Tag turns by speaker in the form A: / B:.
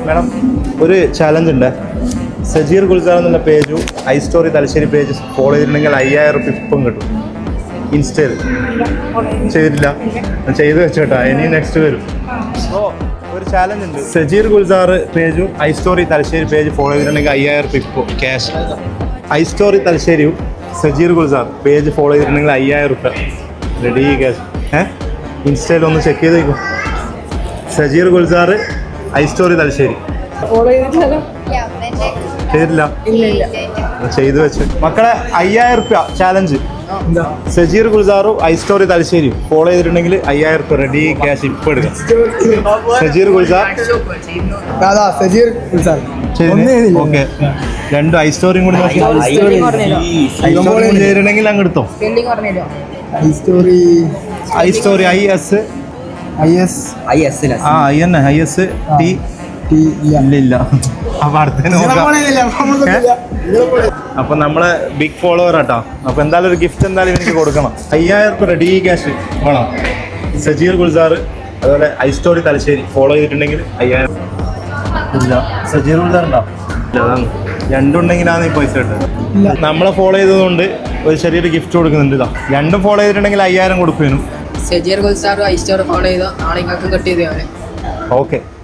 A: Madam ഒരു challenge ഉണ്ട്. സജീർ ഗുൽസാർ എന്നുള്ള പേജും I story Thalassery page follow ചെയ്തിട്ടുണ്ടെങ്കിൽ 5000 റുപ്യ ഇപ്പം കിട്ടും. ഇൻസ്റ്റയിൽ ചെയ്തിട്ടില്ല, ചെയ്ത് വെച്ചോട്ടാ, ഇനി നെക്സ്റ്റ് വരും. അപ്പോൾ ഒരു ചാലഞ്ച് ഉണ്ട്. സജീർ ഗുൽസാർ പേജും I story Thalassery page follow ചെയ്തിട്ടുണ്ടെങ്കിൽ 5000 റുപ്യ ഇപ്പോൾ ക്യാഷ്. ഐ സ്റ്റോറി തലശ്ശേരിയും സജീർ ഗുൽസാർ പേജ് ഫോളോ ചെയ്തിട്ടുണ്ടെങ്കിൽ 5000 റുപ്യ റെഡി ക്യാഷ്. ഇൻസ്റ്റയിൽ ഒന്ന് ചെക്ക് ചെയ്തേക്കും. സജീർ ഗുൽസാർ ഐ സ്റ്റോറി തലശ്ശേരി ചെയ്തിട്ടില്ല, ചെയ്തു വെച്ച്. മക്കളെ 5000 റുപ്യ ചാലഞ്ച്. സജീർ ഗുൽസാറും ഐ സ്റ്റോറി തലശ്ശേരിയും ഫോളോ ചെയ്തിട്ടുണ്ടെങ്കിൽ 5000 റുപ്യ റെഡി ക്യാഷ് ഇപ്പം എടുക്കാം. സജീർ ഗുൽസാർ ഓക്കെ, രണ്ടും ഐ സ്റ്റോറിയും കൂടി ചെയ്തിട്ടുണ്ടെങ്കിൽ അങ്ങ് എടുത്തോ. ഐ സ്റ്റോറി ഇല്ല. അപ്പൊ അടുത്തതിന് അപ്പൊ നമ്മളെ ബിഗ് ഫോളോവർ ആട്ടോ. അപ്പൊ എന്തായാലും ഒരു ഗിഫ്റ്റ് എന്തായാലും എനിക്ക് കൊടുക്കണം. 5000 റുപ്യ റെഡി ക്യാഷ് വേണം. സജീർ ഗുൽസാർ അതുപോലെ ഐ സ്റ്റോറി തലശ്ശേരി ഫോളോ ചെയ്തിട്ടുണ്ടെങ്കിൽ 5000 ഇല്ല. സജീർ ഗുൽസാർ ഉണ്ടോ? അതാണ് രണ്ടുണ്ടെങ്കിലാണ് ഈ പൈസ കിട്ടുന്നത്. നമ്മളെ ഫോളോ ചെയ്തതുകൊണ്ട് ഒരു ചെറിയൊരു ഗിഫ്റ്റ് കൊടുക്കുന്നുണ്ട്. ഇതാ രണ്ടും ഫോളോ ചെയ്തിട്ടുണ്ടെങ്കിൽ 5000 കൊടുക്കും.
B: Sajeer Gulzar I story follow ചെയ്തോ നാളെ നിങ്ങൾക്ക് കിട്ടിയത്.
A: ഓക്കെ.